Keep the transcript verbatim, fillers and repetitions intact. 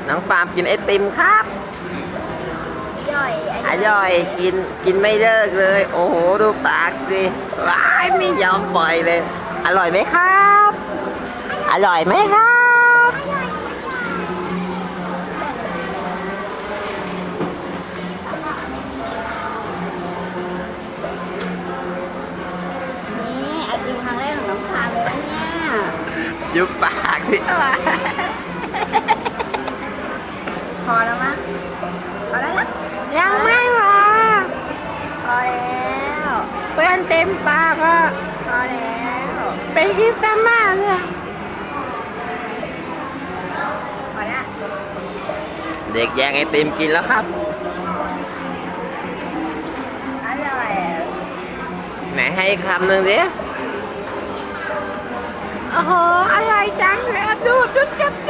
น้องฟาร์มกินไอติมครับย่อยอร่อยกินกินไม่เลิกเลย โอ้โหดูปากสิว้ายไม่ยอมปล่อยเลย อร่อยไหมครับ อร่อยไหมครับนี่ไอติมครั้งแรกของน้องพาเลยนะเนี่ยยุบปากสิพอแล้วมั้งพอแล้วนะยังไม่พอพอแล้วเพื่อนเต็มปากอ่ะพอแล้วไปคิดตามมาเลยพอแล้วเด็กแย่งไอติมกินแล้วครับอร่อยไหนให้อีกคำหนึ่งดิโอ้โหอร่อยจังเลยดูจุดจุด